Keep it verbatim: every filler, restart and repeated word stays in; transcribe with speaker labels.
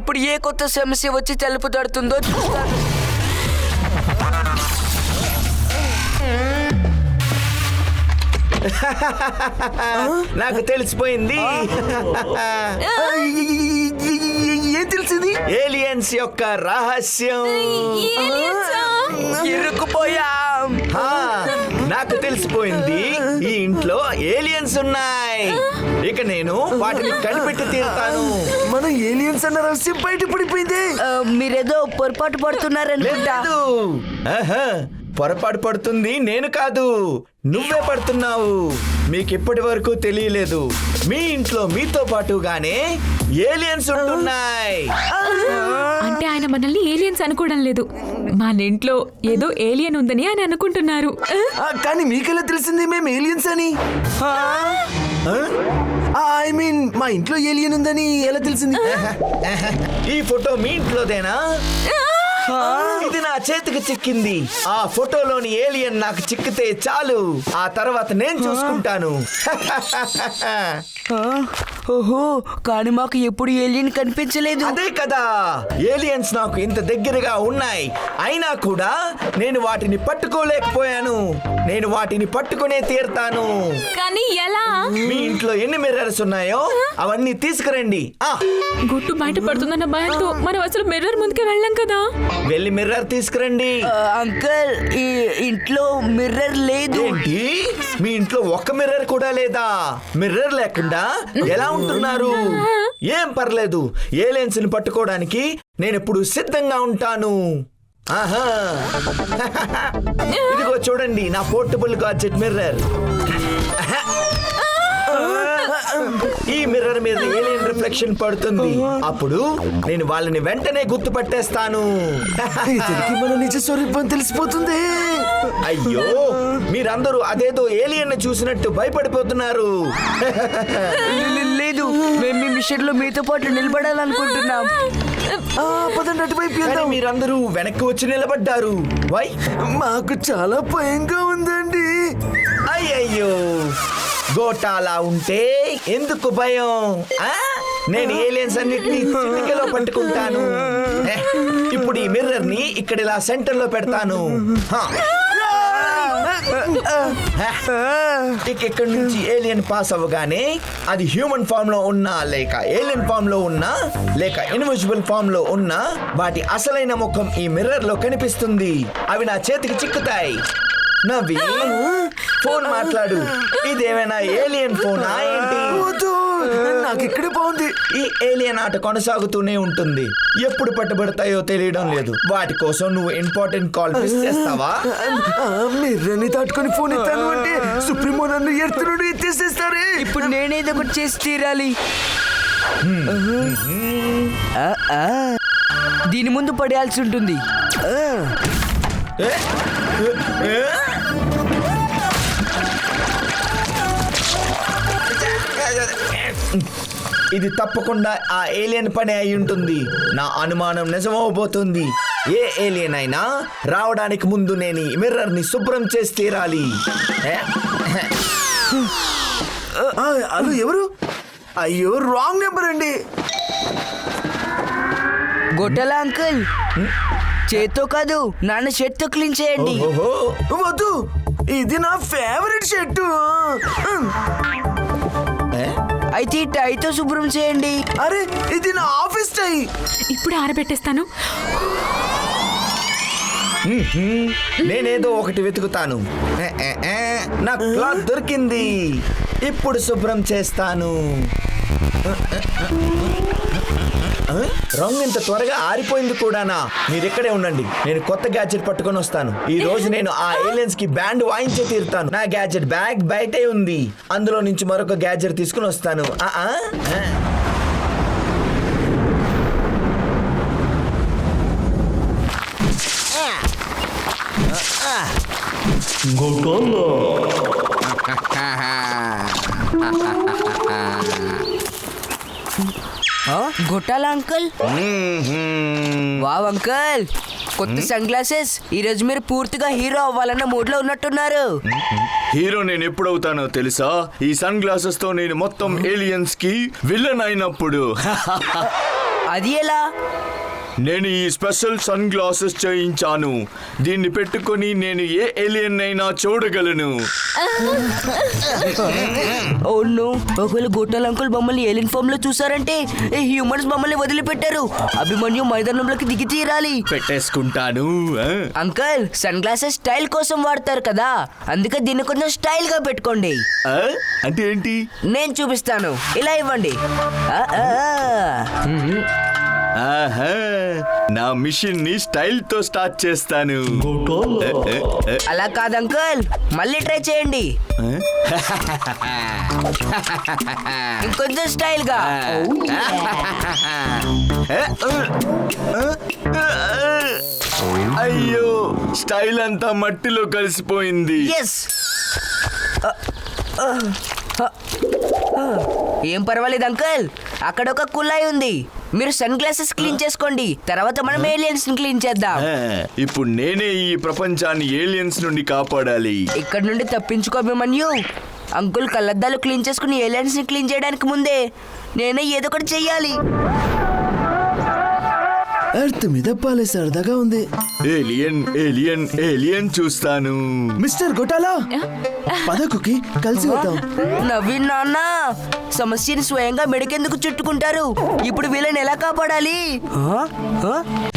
Speaker 1: ఇప్పుడు ఏ కొత్త సమస్య వచ్చి తలుపు తడుతుందో చూస్తాను.
Speaker 2: నాకు తెలిసిపోయింది.
Speaker 3: ఏం తెలిసింది?
Speaker 2: ఏలియన్స్ యొక్క రహస్యం.
Speaker 1: ఇరుక్కుపోయాం.
Speaker 2: హా, నాకు తెలిసిపోయింది. ఈ ఇంట్లో ఏలియన్స్ ఉన్నాయి. ఇక నేను వాటిని కనిపెట్టి తీరుతాను.
Speaker 3: మన ఏలియన్స్ అన్న రహస్యం బయట పడిపోయింది.
Speaker 1: ఆ, మీరేదో పొరపాటు పడుతున్నారనుకుంటా.
Speaker 2: లేదు. ఆహా, పొరపాటు పడుతుంది నేను కాదు, నువ్వే పడుతున్నావు. మీకు ఇప్పటి వరకు తెలియలేదు, మీ ఇంట్లో మీతో పాటుగానే ఏలియన్స్ ఉంటున్నాయి.
Speaker 4: అంటే ఆయన మనల్ని ఏలియన్స్ అనుకోవడం లేదు, మన ఇంట్లో ఏదో ఏలియన్ ఉందని ఆయన అనుకుంటున్నారు.
Speaker 3: ఆ, కానీ మీకెలా తెలిసింది మేము ఏలియన్స్ అని? ఐ మీన్ మా ఇంట్లో ఏలియన్ ఉందని ఎలా తెలిసింది?
Speaker 2: ఈ ఫోటో మీ ఇంట్లోదేనా? ఇది నా చేతికి చిక్కింది. ఆ ఫోటోలోని ఏలియన్ నాకు చిక్కితే చాలు, ఆ తర్వాత నేను చూసుకుంటాను.
Speaker 1: ఓహో, కానీ మాకు ఎప్పుడు ఏలియన్ కనిపించలేదు.
Speaker 2: అదే కదా, ఏలియన్స్ నాకు ఇంత దగ్గరగా ఉన్నాయి, అయినా కూడా నేను వాటిని పట్టుకోలేకపోయాను. నేను వాటిని పట్టుకునే తీరుతాను.
Speaker 4: కానీ ఎలా?
Speaker 2: మీ ఇంట్లో ఎన్ని మిర్రర్స్ ఉన్నాయో అవన్నీ తీసుకురండి. ఆ,
Speaker 4: గుట్టు బయట పడుతుందన్న భయంతో మనం అసలు మిర్రర్ ముందుకే వెళ్ళాం కదా.
Speaker 2: వెళ్ళి మిర్రర్ తీసుకురండి.
Speaker 1: ఆ, అంకుల్, ఈ ఇంట్లో మిర్రర్ లేదు.
Speaker 2: ఏంటి, మీ ఇంట్లో ఒక్క మిర్రర్ కూడా లేదా? మిర్రర్ లేకుండా ఎలా ఉంటున్నారు? ఏం పర్లేదు, ఏలియన్స్ ని పట్టుకోవడానికి నేను ఎప్పుడు సిద్ధంగా ఉంటాను. ఆహా, ఇదిగో చూడండి నా పోర్టబుల్ గాడ్జెట్ మిర్రర్. ఈ మిర్రర్ మీద ఏలియన్ రిఫ్లెక్షన్ పడుతుంది, అప్పుడు నేను వాళ్ళని వెంటనే గుర్తుపట్టేస్తాను.
Speaker 3: ఇతనికి మన నిజ స్వరూపం తెలిసిపోతుంది.
Speaker 2: అయ్యో, మీరందరూ అదేదో ఏలియన్ చూసినట్టు భయపడిపోతున్నారు.
Speaker 1: లేదు, మేము మీ మిషన్ లో మీతో పాటు నిలబడాలనుకుంటున్నాం.
Speaker 3: ఆ, పదండి అటువైపు
Speaker 2: కానీ
Speaker 3: వెళ్దాం.
Speaker 2: మీరందరూ వెనక్కి వచ్చి నిలబడ్డారు. వై?
Speaker 3: మాకు చాలా భయంగా ఉందండి.
Speaker 2: అయ్యయ్యో, గోటాలా ఉంటే ఎందుకు భయం? ఆ? నేను ఏలియన్స్ అన్నిటినీ చిటికెలో పట్టుకుంటాను. ఏ, ఇప్పుడు ఈ మిర్రర్ ని ఇక్కడ ఇలా సెంటర్ లో పెడతాను. హా. ఇక ఇక్కడ నుంచి ఏలియన్ పాస్ అవ్వగానే అది హ్యూమన్ ఫామ్ లో ఉన్నా లేక ఏలియన్ ఫామ్ లో ఉన్నా లేక ఇన్విజిబుల్ ఫామ్ లో ఉన్నా వాటి అసలైన ముఖం ఈ మిర్రర్ లో కనిపిస్తుంది. అవి నా చేతికి చిక్కుతాయి. నవ్వి ఫోన్ మాట్లాడు. ఇదేమైనా ఏలియన్ ఫోనా ఏంటి?
Speaker 3: వద్దు, నాకు ఇక్కడే బాగుంది.
Speaker 2: ఈ ఏలియన్ ఆట కొనసాగుతూనే ఉంటుంది, ఎప్పుడు పట్టుబడతాయో తెలియడం లేదు. వాటి కోసం నువ్వు ఇంపార్టెంట్ కాల్ మిస్ చేస్తావా?
Speaker 3: మిర్రని దాటుకొని ఫోన్ ఎత్తాను అంటే సుప్రీమో నన్ను ఎత్తునుడు ఎత్తేసేస్తారే.
Speaker 1: ఇప్పుడు నేనేదో ఒకటి చేసి తీరాలి. ఆ, ఆ. దీని ముందు పడేయాల్సి ఉంటుంది.
Speaker 2: ఏ? ఏ? ఏ? ఇది తప్పకుండా ఆ ఏలియన్ పని అయి ఉంటుంది. నా అనుమానం నిజమవబోతుంది. ఏ ఏలియన్ అయినా రావడానికి ముందు నేను ఈ మిర్రర్ ని శుభ్రం చేసి తీరాలి. ఏ?
Speaker 3: ఆ, హలో, ఎవరు? అయ్యో, రాంగ్ నెంబర్ అండి.
Speaker 1: గొట్టల అంకుల్, చేత్తో కాదు, నాన్న షర్ట్తో క్లీన్ చేయండి.
Speaker 2: ఓహో,
Speaker 3: వద్దు, ఇది నా ఫేవరెట్ షర్టు.
Speaker 2: ఏ?
Speaker 1: అయితే ఈ టైతో శుభ్రం చేయండి.
Speaker 3: అరే, ఇది నా ఆఫీస్ టై.
Speaker 4: ఇప్పుడు ఆరబెట్టేస్తాను.
Speaker 2: నేనేదో ఒకటి వెతుకుతాను. ఏ, ఏ, ఏ, నా క్లాత్ దొరికింది. ఇప్పుడు శుభ్రం చేస్తాను. రంగు ఇంత త్వరగా ఆరిపోయింది కూడానా? మీరు ఇక్కడే ఉండండి, నేను కొత్త గ్యాడ్జెట్ పట్టుకొని వస్తాను. ఈ రోజు నేను ఆ ఏలియన్స్ కి బ్యాండ్ వాయించే తీరుతాను. నా గ్యాడ్జెట్ బ్యాగ్ బయటే ఉంది, అందులో నుంచి మరొక గ్యాడ్జెట్ తీసుకుని వస్తాను. ఆ ఆ
Speaker 1: గొట్టాల అంకుల్, వావ్ అంకుల్, కొత్త సన్ గ్లాసెస్. ఈ రోజు మీరు పూర్తిగా హీరో అవ్వాలన్న మూడ్ లో ఉన్నట్టున్నారు.
Speaker 5: హీరో నేను ఎప్పుడవుతానో తెలుసా? ఈ సన్ గ్లాసెస్ తో నేను మొత్తం ఏలియన్స్ కి విలన్ అయినప్పుడు.
Speaker 1: అది ఎలా?
Speaker 5: నేను ఈ స్పెషల్ సన్ గ్లాసెస్ చేయించాను. దీన్ని పెట్టుకొని నేను ఏ ఏలియన్ అయినా చూడగలను.
Speaker 1: అవును, ఒకవేళ గొట్టాల అంకుల్ మమ్మల్ని ఏలియన్ ఫామ్ లో చూసారంటే హ్యూమన్స్ మమ్మల్ని వదిలిపెట్టారు. అభిమన్యు మైదానంలోకి దిగి తీరాలి.
Speaker 5: పెట్టేసుకుంటాను. ఆ?
Speaker 1: అంకుల్, సన్ గ్లాసెస్ స్టైల్ కోసం వాడతారు కదా, అందుకే దీన్ని కొంచెం స్టైల్ గా పెట్టుకోండి.
Speaker 5: ఆ? అంటే ఏంటి?
Speaker 1: నేను చూపిస్తాను, ఇలా ఇవ్వండి. ఆ, ఆ, ఆ.
Speaker 5: ఆహా, నా మిషన్ ని స్టైల్ తో స్టార్ట్ చేస్తాను.
Speaker 1: అలా కాదు అంకుల్, మళ్ళీ ట్రై చేయండి. ఇంకొంచెం స్టైల్ గా.
Speaker 5: అయ్యో, స్టైల్ అంతా మట్టిలో కలిసిపోయింది.
Speaker 1: ఎస్. ఏం పర్వాలేదు అంకుల్, అక్కడ ఒక కుళాయి ఉంది. మీరు సన్ గ్లాసెస్ క్లీన్ చేసుకోండి, తర్వాత మనం ఏలియన్స్ ని క్లీన్ చేద్దాం.
Speaker 5: ఆ, ఇప్పుడు నేనే ఈ ప్రపంచాన్ని ఏలియన్స్ నుండి కాపాడాలి.
Speaker 1: ఇక్కడ నుండి తప్పించుకో అభిమన్యు. అంకుల్ కళ్ళద్దాలు క్లీన్ చేసుకుని ఏలియన్స్ ని క్లీన్ చేయడానికి ముందే నేనే ఏదో ఒకటి చెయ్యాలి.
Speaker 3: ఎర్త్ మీద పాలే సరదాగా ఉంది.
Speaker 5: ఏలియన్ ఏలియన్ ఏలియన్ చూస్తాను.
Speaker 3: మిస్టర్ గొటాలా, పదకుకి కలిసి వద్దాం.
Speaker 1: నవీన్ నాన్న, సమస్యని స్వయంగా మెడకెందుకు చుట్టుకుంటారు? ఇప్పుడు వీళ్ళని ఎలా కాపాడాలి? ఆ? ఆ?